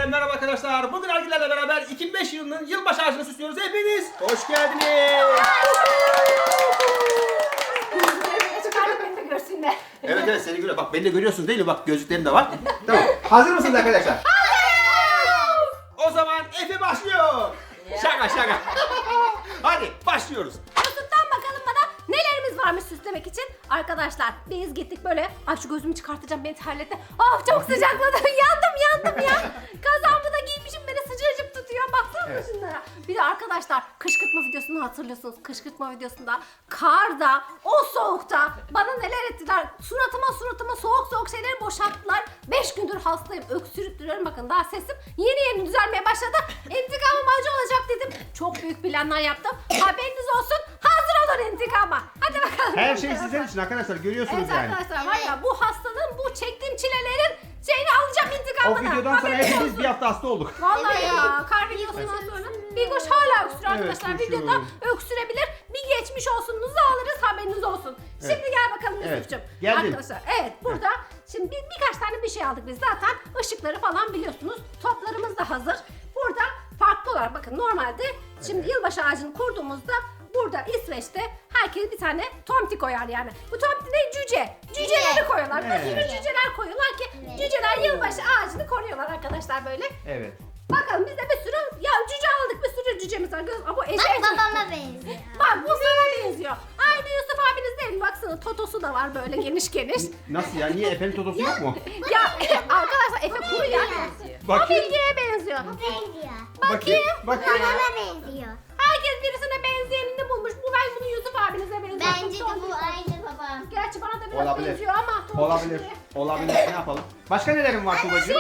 merhaba arkadaşlar. Bugün Ergilerle beraber 2005 yılının yılbaşı ağacını süslüyoruz. Hepiniz hoş geldiniz. Beni de görsünler. Evet seni görüyor. Bak beni de görüyorsun değil mi? Bak gözlüklerim de var. Tamam. Hazır mısınız arkadaşlar? O zaman Efe başlıyor. Şaka. Hadi başlıyoruz. Mesut'tan bakalım bana nelerimiz varmış süslemek için. Arkadaşlar biz gittik böyle. Ay şu gözümü çıkartacağım, beni terletti. Of çok sıcakladım. yandım ya. Kazağımı da giymişim, beni sıcacık tutuyor. Baksana Evet. şunlara. Bir de arkadaşlar kışkırtma videosunu hatırlıyorsunuz. Kışkırtma videosunda karda, o soğukta bana neler ettiler. Suratıma soğuk şeyleri boşalttılar. 5 gündür hastayım. Öksürüp duruyorum. Bakın daha sesim yeni düzelmeye başladı. İntikamım acı olacak dedim. Çok büyük planlar yaptım. Haberiniz olsun. Hazır olun intikama. Hadi bakalım. Her şey sizin için arkadaşlar. Görüyorsunuz Evet yani. arkadaşlar var ya, bu hastalığın, bu çektiğim çilelerin şeyini alacağım O intikamını. videodan sonra Haberiniz hepimiz olsun. bir hafta hasta olduk. Vallahi ya, kar videosundan sonra Bilgoş hala öksürüyor arkadaşlar. Evet, Videoda öksürüyorum. öksürebilir. Bir geçmiş olsunuzu alırız, haberiniz olsun. Şimdi gel bakalım Evet, Yusuf'cum. geldim. Arkadaşlar evet, burada şimdi birkaç tane bir şey aldık biz zaten. Işıkları falan biliyorsunuz. Toplarımız da hazır. Burada farklı olarak bakın, normalde şimdi yılbaşı ağacını kurduğumuzda burada İsveç'te herkes bir tane tomti koyar yani. Bu tomti ne? Cüce. Cüceleri koyuyorlar. Bir sürü Evet. cüceler koyuyorlar ki cüceler yılbaşı ağacını koruyorlar arkadaşlar böyle. Evet. Bakalım biz de bir sürü cüce aldık, bir sürü cücemiz var. Ama bu eşek. Bak babama benziyor. Bak bu sana benziyor. Aynı Yusuf abiniz değil mi? Baksana totosu da var böyle geniş. Nasıl ya? Niye Efe'nin totosu yok mu? Ya arkadaşlar Efe kuru ya. O Bakayım. Bilge'ye benziyor. Benziyor. Bakayım. Babama benziyor. Herkes birisine benzeyenini bulmuş. Ben bunu Yusuf abinize benziyorum. Bence de bu aynı babam. Gerçi bana da biraz Olabilir. benziyor ama. Olabilir. Ne yapalım? Başka nelerin var Tuğbacığım?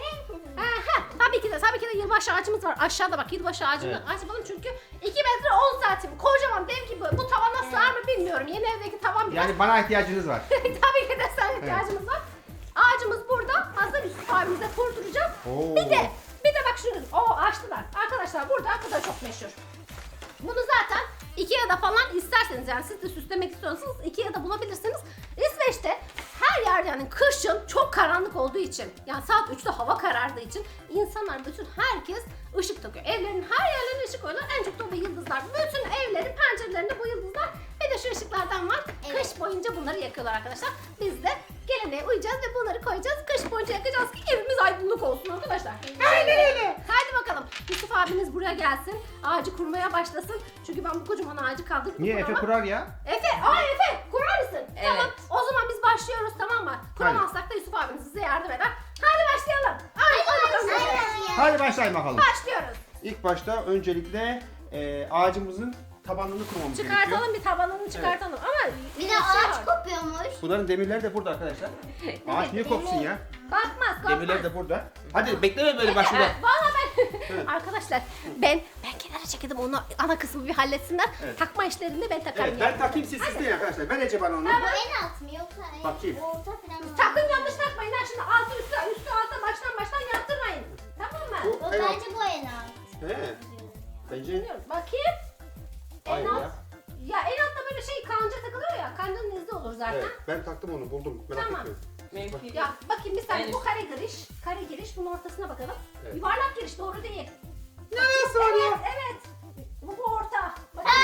Tabii ki de yılbaşı ağacımız var. Aşağıda bak, yılbaşı ağacını Evet. açalım çünkü 2 metre 10 santim. Kocaman dev gibi. Bu tavana sığar mı bilmiyorum. Yeni evdeki tavan biraz. Yani bana ihtiyacınız var. Tabii ki de sana ihtiyacımız var. Ağacımız burada. Hazır Yusuf abimize kurduracağım. Oo. Bir de bak şunu. Açtılar. Arkadaşlar burada bu da çok meşhur. Bunu zaten Ikea'da falan isterseniz, yani siz de süslemek istiyorsanız Ikea'da bulabilirsiniz. İsveç'te her yer, yani kışın çok karanlık olduğu için, yani saat 3'te hava karardığı için insanlar, herkes ışık takıyor. Evlerin her yerlerine ışık koyuyorlar. En çok da bu yıldızlar. Bütün evlerin pencerelerinde bu yıldızlar. Bir de şu ışıklardan var. Evet. Kış boyunca bunları yakıyorlar arkadaşlar. Biz de geleneğe uyacağız ve bunları koyacağız. Kış boyunca yakacağız ki evimiz aydınlık olsun arkadaşlar. Aynen öyle. Hadi bakalım. Yusuf abiniz buraya gelsin. Ağacı kurmaya başlasın. Çünkü ben bu kocaman ağacı kaldırıp Niye Efe kuramam. kurar ya? Efe kurar mısın? Evet. Tamam. O zaman biz başlıyoruz, tamam mı? Kuramazsak da Yusuf abiniz size yardım eder. Hadi başlayalım. Hadi bakalım. Hadi başlayalım bakalım. Başlıyoruz. İlk başta öncelikle ağacımızın tabanını kurmamız gerekiyor. Çıkartalım, bir tabanını çıkartalım ama Bir de ağaç kopuyormuş. Bunların demirleri de burada arkadaşlar. Ağaç niye kopsun ya? Bakmaz. Demirler de burada. Hadi bekleme böyle başında. Valla ben arkadaşlar ben kenara çekildim, onu ana kısmı bir halletsinler. Evet. Takma işlerini ben takarım. Evet ben takayım siz süsleyin arkadaşlar. Ver Ece bana onu. Bu en alt mı yoksa Bakayım. orta falan mı? Sakın yanlış takmayın ha, şimdi altı üstü alta baştan yaptırmayın. Tamam mı? Bu en alt. Bence bu en alt. He. Bence Bilmiyorum. Bakayım. aynı En alt. ya. Ya en altta böyle kanca takılıyor ya. Kancanın izi olur zaten. Evet ben taktım onu buldum. Merak Tamam. etmeyin. Mümkün. Ya bakayım bir saniye, En bu kare giriş. Kare giriş, bunun ortasına bakalım. Evet. Yuvarlak giriş doğru değil. Neresi var ya? Evet. Bu orta. Bakın.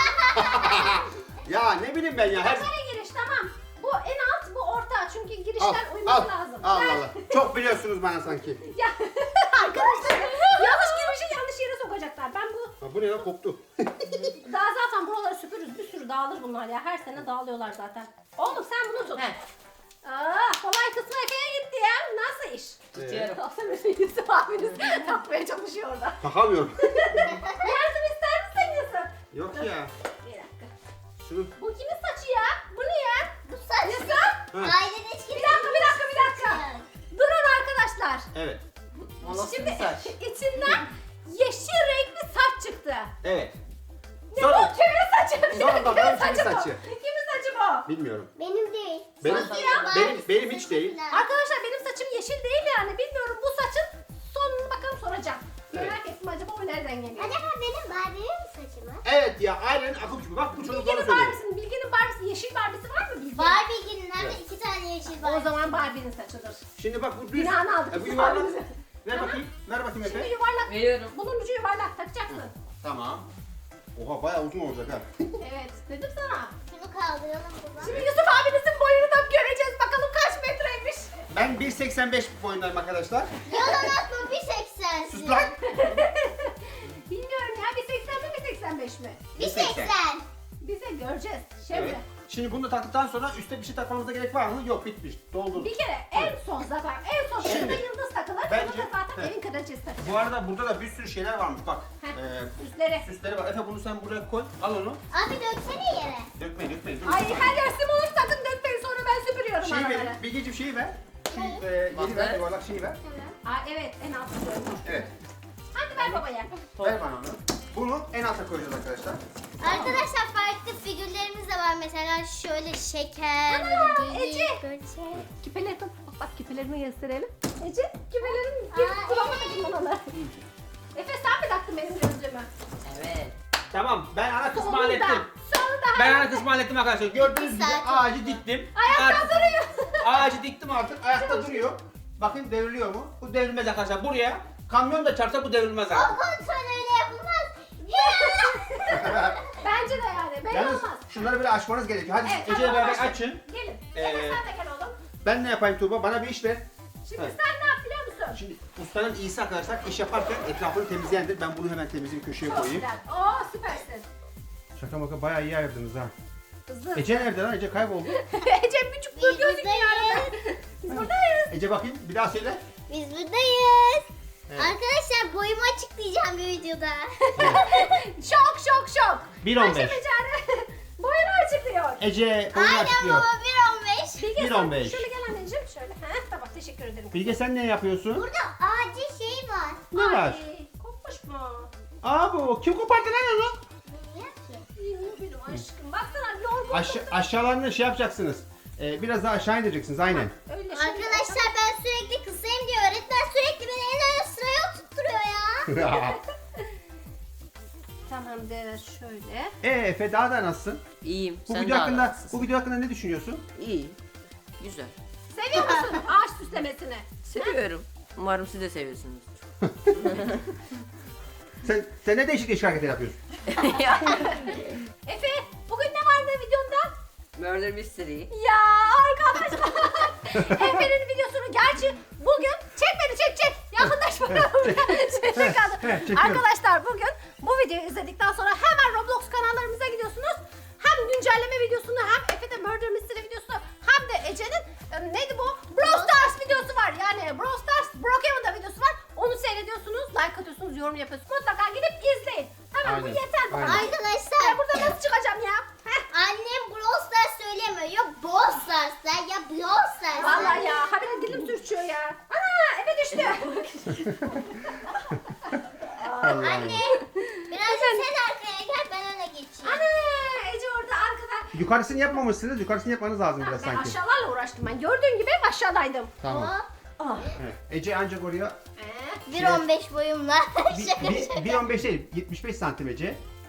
Ya ne bileyim ben ya. Her... Kare giriş tamam. Bu en alt, bu orta. Çünkü Al, girişler al, uyması lazım. al, Ver. al. Çok biliyorsunuz bana sanki. Ya arkadaşlar yanlış girmişi yanlış yere sokacaklar. Ben bu Ha, bu ne lan koptu. daha zaten buraları süpürürüz. Bir sürü dağılır bunlar ya. Her sene dağılıyorlar zaten. Oğlum sen bunu tut. He. Kolay kısmı Efe'ye gitti ya. Nasıl iş? Tutuyorum. Aslında Yusuf abiniz takmaya çalışıyor orada. Takamıyorum. Yardım ister misin Yusuf? Yok ya. Bir dakika. Şunu. Bu kimin saçı ya? Bu ne ya? Bu saç. Yusuf? Ha. Ailede hiç Bir dakika. Durun arkadaşlar. Evet. O nasıl Şimdi bir saç? içinden yeşil renkli saç çıktı. Evet. Ne Sonra- bu? Kimin saçı? Sonra Kimin bakalım kimin saçı bu? saçı? Kimin saçı bu? Bilmiyorum. Benim değil. Benim- Sosyal benim hiç değil. falan. Arkadaşlar benim saçım yeşil değil yani. Bilmiyorum, bu saçın sonunu bakalım soracağım. Evet. Merak ettim, acaba o nereden geliyor? Acaba benim Barbie'nin saçı mı? Evet ya aynen akım gibi. Bak bu çocuk bana Bilge'nin söylüyor. Bilge'nin Barbie'si, yeşil Barbie'si var mı Bilge? Barbie'nin hem de Evet. 2 tane yeşil O Barbie. zaman Barbie'nin saçıdır. Şimdi bak bu düz. Günahını aldık. Bu yuvarlak. Ver Tamam. bakayım. Ver Veriyorum. Bunun ucu yuvarlak takacaksın. Tamam. Oha bayağı uzun olacak ha. Evet dedim sana. Şunu kaldıralım baba. Şimdi Yusuf abinizin boyunu da göreceğiz. Bakalım kaç metreymiş. Ben 1.85 boyundayım arkadaşlar. Yalan atma 1.80'sin. Sus lan. Bilmiyorum ya 1.80 mi 1.85 mi? 1.80. Bize göreceğiz. Şimdi Evet. Şimdi bunu da taktıktan sonra üstte bir şey takmamıza gerek var mı? Yok, bitmiş. Doldur. bir kere en son zaten en son Şimdi, şurada yıldız takılır. bence- Yıldız da zaten Heh. evin kraliçesi takacak. Bu arada burada da bir sürü şeyler varmış bak. Heh. Ee, Üstleri. süsleri var. Efe bunu sen buraya koy. Al onu. Abi döksene yere. Dökmeyin. Dur. Ay her yer sim olur sakın dökmeyin sonra ben süpürüyorum Şeyi araları. ver. Bilgeciğim şeyi ver. Şu Ne? yeni ver. Bak. Yuvarlak şeyi ver. Tamam. Aa evet en altta koydum. Evet. Hadi ver babaya. Ver bana onu. Bunu en alta koyacağız arkadaşlar. Arkadaşlar farklı figürlerimiz de var. Mesela şöyle şeker, Ana, böyle Ece. geyik, böyle şey. Küpeleri bak küpelerimi gösterelim. Ece küpelerim Aa, bulamadım ben onu. Efe sen mi taktın benim gözlüğümü? Evet. Tamam, ben ana kısmı Sonunda. hallettim. Sonunda. Ben ana kısmı hallettim arkadaşlar. Gördüğünüz gibi Saat ağacı diktim. Ayakta Artık- duruyor. Ağacı diktim artık. Ayakta duruyor. Bakın devriliyor mu? Bu devrilmez arkadaşlar. Buraya kamyon da çarpsa bu devrilmez O abi. kontrol öyle yapılmaz. Ya! Bence de yani. Belli Yalnız olmaz. şunları böyle açmanız gerekiyor. Hadi Evet, Ece'yle hadi beraber başla. açın. Gelin. Ee, Efe sen de gel oğlum. Ben ne yapayım Tuğba? Bana bir iş ver. Şimdi Evet. sen ne yap biliyor musun? Şimdi ustanın iyisi arkadaşlar iş yaparken etrafını temizleyendir. Ben bunu hemen temizleyip köşeye Çok koyayım. güzel. Oo süpersin. Şaka maka bayağı iyi ayırdınız ha. Hızlı. Ece nerede lan? Ece kayboldu. Ece küçük dur Biz gözüküyor arada. buradayız. Biz buradayız. Ece bakayım bir daha söyle. Biz buradayız. Evet. Arkadaşlar boyumu açıklayacağım bir videoda. Şok şok şok. 1.15. Ayşe Becer'e boyunu açıklıyor. Ece onu Aynen açıklıyor. baba 1.15. Bilge sen 1.15. şöyle gel anneciğim şöyle. Heh, tamam teşekkür ederim. Bilge sen ne yapıyorsun? Burada ağacı şey var. Ne var? Ay, kopmuş mu? Aa bu kim kopardı lan onu? Bilmiyorum ki. Bilmiyorum aşkım. Baksana yorgun. Aşağılarını şey yapacaksınız. Biraz daha aşağı indireceksiniz aynen. Öyle şimdi. Arkadaşlar ben sürekli kısayım diye öğretmen sürekli beni en ön sıraya oturtturuyor ya. Tamamdır şöyle. Efe daha da nasılsın? İyiyim. Bu Sen video de hakkında anlatsın. bu video hakkında ne düşünüyorsun? İyi. Güzel. Seviyor musun ağaç süslemesini? Seviyorum. Umarım siz de seviyorsunuz. Sen ne değişik hareketler yapıyorsun? Efe bugün ne vardı videonda? Murder Mystery. Ya arkadaşlar. Efe'nin videosunu gerçi bugün çek beni çek. Yakınlaş bana. Çek kaldı. çekiyorum. Arkadaşlar bugün bu videoyu izledikten sonra hemen Roblox kanallarımıza gidiyorsunuz. Hem güncelleme videosunu hem Efe'de Murder Mystery videosunu hem de Ece'nin neydi bu? Brawl Stars videosu var. Yani Brawl Stars Brokeman'da videosu var. Onu seyrediyorsunuz, like atıyorsunuz, yorum yapıyorsunuz. Mutlaka gidip izleyin. Hemen bu Aynen, yeter bu aynen. kadar. Arkadaşlar Ben burada nasıl çıkacağım ya? Heh. annem Brawl Stars söylemiyor. Ya Brawl Stars'lar ya Brawl Stars'lar. Vallahi ya, habire dilim sürçüyor ya. Ana, eve düştü. Anne birazcık sen arkaya gel ben öne geçeyim. Ana, Ece orada arkada. Yukarısını yapmamışsınız. Yukarısını yapmanız lazım biraz Ben sanki. aşağılarla uğraştım ben. Gördüğün gibi hep aşağıdaydım. Tamam. Hop, Ah. Evet. Ece ancak oraya 1.15 boyumla. Şaka şaka. 1.15 değil 75 santim Ece.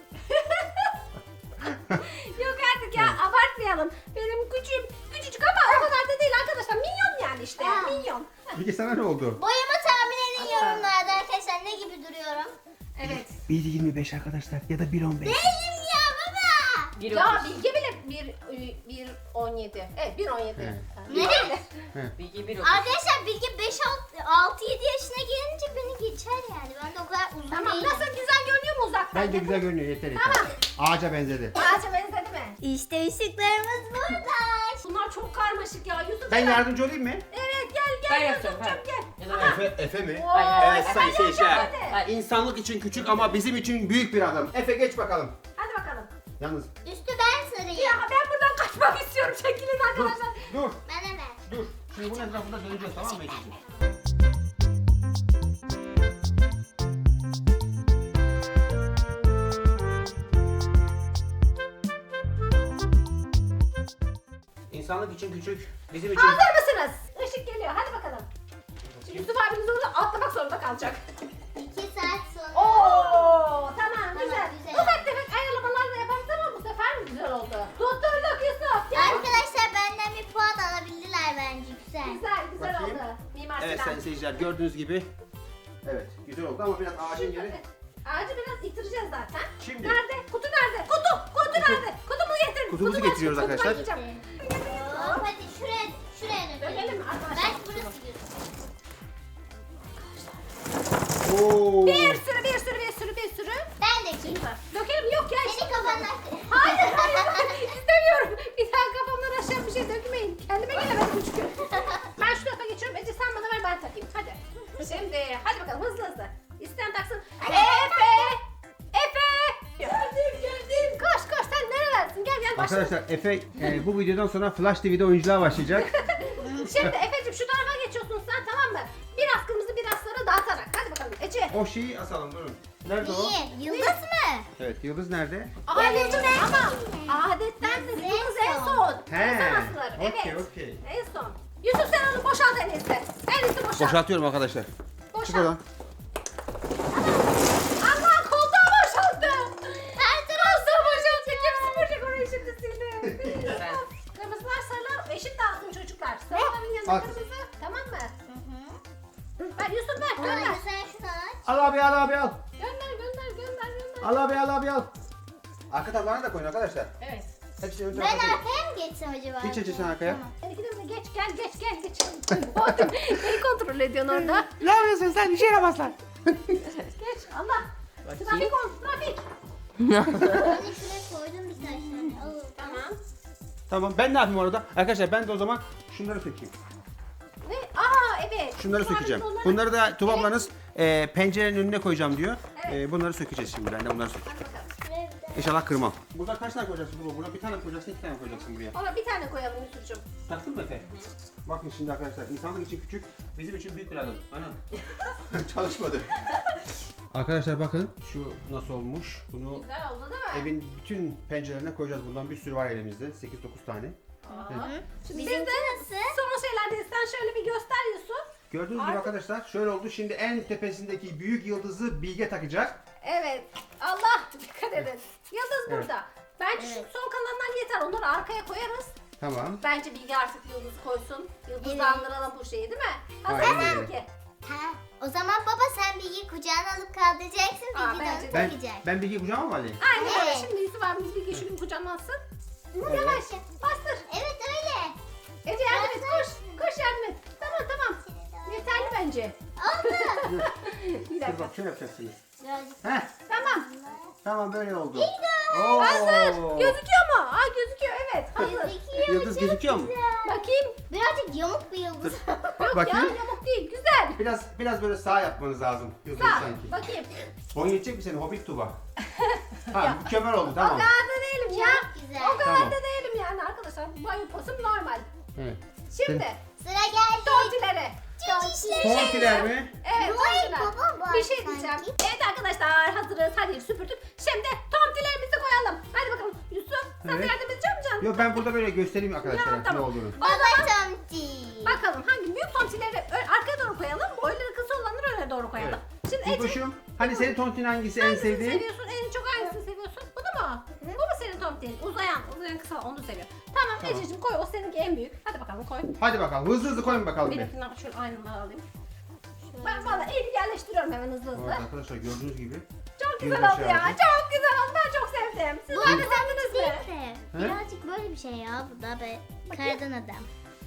Yok artık ya, abartmayalım. Benim küçücük ama o kadar da değil arkadaşlar. Minyon yani işte. Ha. Minyon. Bilge sana ne oldu? Boyumu tahmin edin yorumlarda arkadaşlar ne gibi duruyorum. Evet. 1.25 arkadaşlar ya da 1.15. Değilim ya baba. Bir Ya otuz. Bilge bile 1.17. Evet 1.17. Evet. Ne? Bilgi bir otuz. Arkadaşlar Bilge 5-6-7 yaşına gelince beni geçer yani. Ben de o kadar uzun Tamam, değilim. nasıl güzel görünüyor mu uzaktan? Bence güzel görünüyor yeter yeter. Tamam. Ağaca benzedi. Ağaca benzedi mi? İşte ışıklarımız burada. Bunlar çok karmaşık ya. Yusuf Ben hemen- yardımcı olayım mı? Evet gel Ben gel yapacağım, Yusuf'cum ha. gel. Ya da ben. Efe mi? Oo, Evet Efe sayın yapacak seyirciler. hadi. Hadi. İnsanlık için küçük ama bizim için büyük bir adım. Efe geç bakalım. Hadi bakalım. Yalnız Üstü ben sarayım. Ya ben buradan kaçmak istiyorum. Çekilin dur arkadaşlar. dur Bana ver. dur. Şimdi bunun etrafında döneceğiz tamam mı Ece'ciğim? İnsanlık için küçük, bizim için... Hazır mısınız? Işık geliyor. Hadi bakalım. Şimdi Yusuf abimiz orada atlamak zorunda kalacak. 2 saat sonra. Oo, tamam güzel. güzel. Ufak tefek ayarlamalar da yaparız ama bu sefer mi güzel oldu? Tutturduk Yusuf. Gel. Arkadaşlar benden bir puan alabildiler bence güzel. Güzel güzel Bakayım. oldu. Mimar Evet Sinan. sayın seyirciler gördüğünüz gibi Evet, güzel oldu ama biraz ağacın yeri. Ağacı biraz itireceğiz zaten. Şimdi. Nerede? Kutu nerede? Kutu nerede? Kutumu getirin. Kutumuzu Kutumu getiriyoruz açın, kutumu arkadaşlar. açacağım. Hop, hadi şuraya Dönelim dökelim. mi arkadaşlar? Belki burası gözüküyor. Oo. Bir sürü. Ben de kim? Dökelim yok ya. Senin kafandan. Hayır istemiyorum. Bir daha kafamdan aşağı bir şey dökmeyin. Kendime gelemedim çünkü. Ben şu tarafa geçiyorum. Ece sen bana ver ben takayım. Hadi. Şimdi hadi bakalım hızlı. İsteyen taksın. Efe. Gördüm. Koş sen nerelersin? Gel başla. Arkadaşlar Efe bu videodan sonra Flash TV'de oyunculuğa başlayacak. Şimdi Efe'cim şu tarafa geçiyorsun sen tamam mı? Biraz kırmızı biraz sarı dağıtarak. Hadi bakalım Ece. O şeyi asalım durun. Nerede o? İyi. Yıldız mı? Evet, yıldız nerede? Adetten ama adetten de yıldız en son. He. En son asılır. Okey, Evet. okey. En son. Yusuf sen onu boşalt en iyisi. En iyisi boşalt. Boşaltıyorum arkadaşlar. Çık Boşalt. oradan. Allah koltuğa boşalttı. Her tarafta boşalttı. Kim süpürecek orayı şimdi sildi. Kırmızılar sarılar eşit dağıtın çocuklar. Sarıların yanında Al. kırmızı. Tamam mı? Ver Yusuf ver gönder. Hayır sen şunu aç. Al abi al. Gönder. Al abi al. Arka tabağına da koyun arkadaşlar. Evet. Hepsini ön Ben tarafa koyun. arkaya mı geçsem acaba? Hiç Ece sen arkaya. Tamam. Sen ikiniz de geç geç. Oğlum beni kontrol ediyorsun orada. Ne yapıyorsun sen? İşe yaramazlar. Geç Allah. Trafik ol trafik. Ben de şuraya koydum birkaç tane. Al. Tamam. Tamam, ben ne yapayım orada? Arkadaşlar ben de o zaman şunları sökeyim. Ve evet. Şunları Sonra sökeceğim. biz onları- Bunları da Tuba ablanız pencerenin önüne koyacağım diyor. Evet. Bunları sökeceğiz şimdi. Ben de bunları sökeceğim. Hadi bakalım. Şuraya bir de. İnşallah kırmam. Burada kaç tane koyacaksın Tuba? Burada bir tane koyacaksın, iki tane koyacaksın buraya. Ona bir tane koyalım Yusuf'cum. Taktın mı Efe? Bakın şimdi arkadaşlar, insanlık için küçük, bizim için büyük bir adım. Anam. Çalışmadı. Arkadaşlar bakın şu nasıl olmuş. Bunu Güzel oldu değil mi? evin bütün pencerelerine koyacağız. Bundan bir sürü var elimizde. 8-9 tane. Aa. Şimdi biz Bizimki de nasıl? son şeylerdeyiz. Sen şöyle bir göster Yusuf. Gördüğünüz gibi Artık- arkadaşlar şöyle oldu. Şimdi en tepesindeki büyük yıldızı Bilge takacak. Evet. Allah dikkat edin. Yıldız Evet. burada. Bence Evet. şu son kalanlar yeter. Onları arkaya koyarız. Tamam. Bence Bilge artık yıldız koysun. Yıldızla Evet. andıralım bu şeyi değil mi? Aynen Hazır öyle. mısın ki? Ha. O zaman baba sen Bilge'yi kucağına alıp kaldıracaksın. Aa, Bilge de bence onu de. takacak. Ben Bilge'yi kucağıma mı alayım? Aynen öyle. Evet. Şimdi Yusuf abimiz Bilge şu gün kucağımansın. Evet. Yavaş bastır. Evet öyle. Ece yardım et koş. Koş yardım et. Tamam. Yeterli bence. Oldu. Bir Dur dakika. bak şöyle yapacaksınız. Birazcık. Heh, Tamam. tamam böyle oldu. Hazır. Gözüküyor mu? Aa gözüküyor evet. Hazır. Gözüküyor. Yıldız gözüküyor mu? Bakayım. Birazcık yamuk bir yıldız. Yok Bakayım. ya yamuk değil. Güzel. Biraz böyle sağ yapmanız lazım. Yıldız Sağ. sanki. Bakayım. Boyun yetecek mi senin Hobbit Tuba? Ha mükemmel oldu O tamam. kadar da değilim ya. Çok güzel. O kadar Tamam. da değilim yani arkadaşlar. Boy posum normal. Evet. Şimdi Sıra geldi. tontilere. Tontiler mi? Evet Noel tontiler. Baba var Bir şey sanki. diyeceğim. Evet arkadaşlar hazırız. Hadi süpürdük. Şimdi tontilerimizi koyalım. Hadi bakalım. Yusuf sen de Evet. yardım edecek misin canım? Yok ben burada böyle göstereyim arkadaşlara Ya, tamam. ne olduğunu. Baba tomti. Bakalım hangi büyük tontileri arkaya doğru koyalım. Boyları kısa olanları öne doğru koyalım. Şimdi Ece İlkoş'um hani senin tontin hangisi en hangisini sevdiğin? seviyorsun? En çok hangisini seviyorsun? Bunu mu? Bu mu senin tontin? Uzayan kısa onu seviyor. Tamam, Tamam. Ececiğim koy o seninki en büyük. Hadi bakalım koy. Hadi bakalım hızlı koyun bakalım bir. Benimkinden şöyle aynını alayım. Ben valla eli yerleştiriyorum hemen hızlı Evet hızlı. arkadaşlar gördüğünüz gibi. Çok güzel Yılbaşı oldu ya. ağacı. Çok güzel oldu. Ben çok sevdim. Sizler de sevdiniz mi? Değil de. Birazcık böyle bir şey ya. Bu da be. Kardan adam.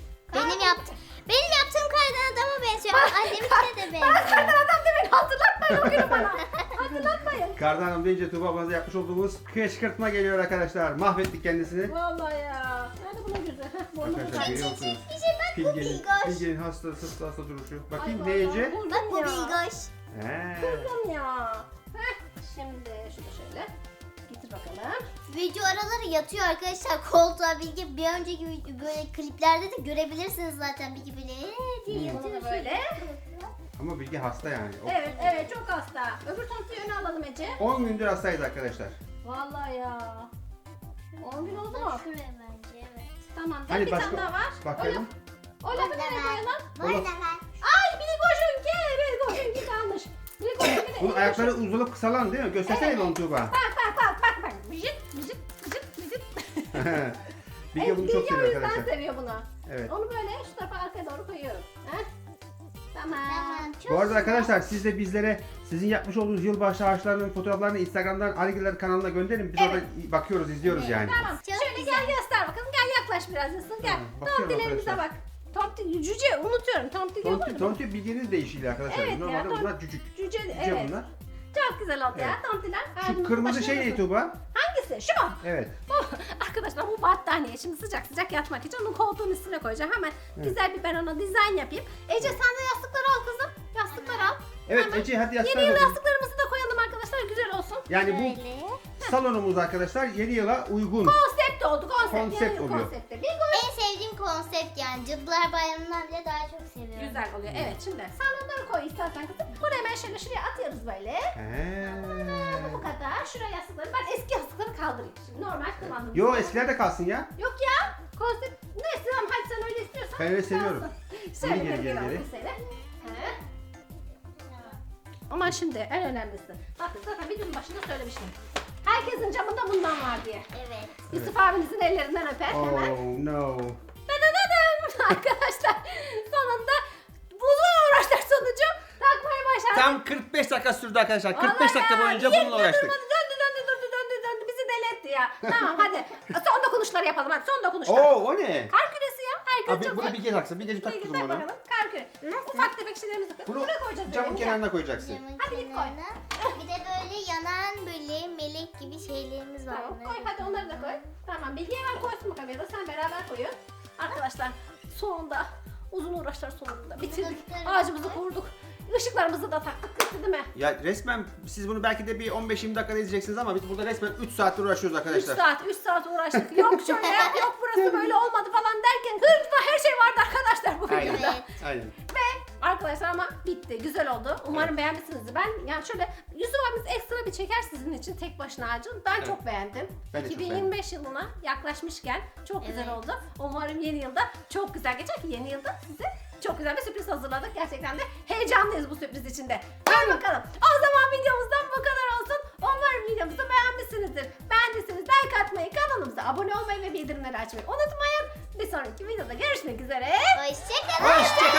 Benim yaptığım kardan adama benziyor. Anneminki de Ben benziyor. senden adam demeyin. Hatırlatmayın o günü bana. Hatırlatmayın. Kardan Hanım deyince Tuba ablanıza yapmış olduğumuz kışkırtma geliyor arkadaşlar. Mahvettik kendisini. Vallahi ya. Nerede bunun yüzü? Heh, burnu Arkadaşlar burada. görüyor musunuz? Bir şey bak bu Bilgoş. Bilge'nin hasta duruşu. Bakayım Ay ne Ece? vallahi buldum Bak bu ya. Bilgoş. He. Buldum ya. Heh. Şimdi şunu şöyle. Getir bakalım. Video araları yatıyor arkadaşlar koltuğa Bilge. Bir önceki böyle kliplerde de görebilirsiniz zaten Bilge böyle diye Bunu yatıyor. da böyle. Ama Bilge hasta yani. Evet çok hasta. Öbür tontiyi öne alalım Ece. 10 gündür hastayız arkadaşlar. Vallahi ya. 10 gün oldu mu? Şuraya bence evet. Tamam. Hani bir başka- tane daha var. Bakıyorum. O lafı nereye koyalım? Var da var. Ay Billy Koşunki kalmış. Billy Koşunki de Bunun ayakları uzunlup kısalan değil mi? Göstersene Evet. bir onu Tuğba. Bak. Vıcıt. Bilge bunu çok Bilge o seviyor yüzden arkadaşlar. seviyor bunu. Evet. Onu böyle şu tarafa arkaya doğru koyuyorum. Heh. Tamam. Tamam. Çok Bu arada güzel. arkadaşlar siz de bizlere sizin yapmış olduğunuz yılbaşı ağaçlarının fotoğraflarını Instagram'dan Aligiler kanalına gönderin. Biz Evet. orada bakıyoruz, izliyoruz Evet. yani. Tamam. Çok Şöyle güzel. gel göster bakalım. Gel yaklaş biraz Yusuf. Gel. Tamam, bakıyorum Tomtilerimize arkadaşlar. bak. Tomti, cüce unutuyorum. Tomti diyor Tonti, mu? tonti bildiğiniz deyişiyle arkadaşlar. Evet ya, Normalde tonti. bunlar cücük. Cüce, Cüce evet. bunlar. Çok güzel oldu ya tomtiler. Şu Ağacımızın kırmızı başına şey ne basın. Tuğba? Hangisi? Şu mu? Evet. Arkadaşlar bu battaniye. Şimdi sıcak sıcak yatmak için onun koltuğun üstüne koyacağım. Hemen güzel bir ben ona dizayn yapayım. Ece sen de yastıkları al kızım. Yastıkları al. Evet Hemen. Ece hadi Yeni yıl yastığa. yastıklarımızı da koyalım arkadaşlar. Güzel olsun. Yani bu Böyle. salonumuz arkadaşlar yeni yıla uygun. Konsept oldu. Konsept. Konsept Yeni yıl oluyor. konsepti. Bingo. En sevdiğim konsept yani. Cadılar Bayramı'ndan bile daha çok seviyorum. Güzel oluyor. Evet şimdi sen onları koy istersen kızım. Buraya hemen şuraya atıyoruz böyle. He. Bu kadar. Şuraya yastıkları. Ben eski yastıkları kaldırayım. Şimdi normal kullandığım. Yo eskiler de kalsın ya. Yok ya. Konsept. Neyse tamam hadi sen öyle istiyorsan. Ben öyle seviyorum. kalsın. Şöyle Geri, geri, geri, geri. Ama şimdi en önemlisi. Bakın zaten videonun başında söylemiştim. Herkesin camında bundan var diye. Evet. Yusuf abinizin ellerinden öper hemen. Oh no. Dadadadım. Arkadaşlar sonunda uzun uğraşlar sonucu takmayı başardık. Tam 45 dakika sürdü arkadaşlar. 45 Vallahi dakika ya, boyunca niye bununla uğraştık. durmadı? Döndü. Bizi deli etti ya. Tamam hadi. Son dokunuşları yapalım hadi. Son dokunuşlar. Oo o ne? Kar küresi ya. Herkes Abi çok bunu bir kez taksın. Bir gece Bir tak git kızım onu. bakalım. Kar küresi. Ufak tefek şeylerimizi Bunu buraya koyacağız. camın böyle. kenarına koyacaksın. Camın Hadi git koy. kenarına. Bir de böyle yanan böyle melek gibi şeylerimiz var. Tamam Bunları koy hadi onları da koy. Tamam Bilge hemen koysun bakalım ya da sen beraber koyun. Arkadaşlar sonunda uzun uğraşlar sonunda bitirdik. Bunu Ağacımızı kurduk. Işıklarımızı da taktık bitti değil mi? Ya resmen siz bunu belki de bir 15-20 dakikada izleyeceksiniz ama biz burada resmen 3 saattir uğraşıyoruz 3 arkadaşlar. 3 saat uğraştık. Yok şöyle yok burası böyle olmadı falan derken hırda her şey vardı arkadaşlar bu Aynen. videoda. Evet. Aynen. Ve arkadaşlar ama bitti. Güzel oldu. Umarım beğenmişsinizdir. Ben yani şöyle Yusuf abimiz ekstra bir çeker sizin için tek başına ağacın. Ben çok beğendim. Ben de çok 2025 yılına yaklaşmışken çok güzel Evet. oldu. Umarım yeni yılda çok güzel geçer ki yeni yılda size çok güzel bir sürpriz hazırladık. Gerçekten de heyecanlıyız bu sürpriz içinde. Hadi bakalım. O zaman videomuzdan bu kadar olsun. Umarım videomuzu beğenmişsinizdir. Beğendiyseniz like atmayı, kanalımıza abone olmayı ve bildirimleri açmayı unutmayın. Bir sonraki videoda görüşmek üzere. Hoşçakalın. Hoşçakalın.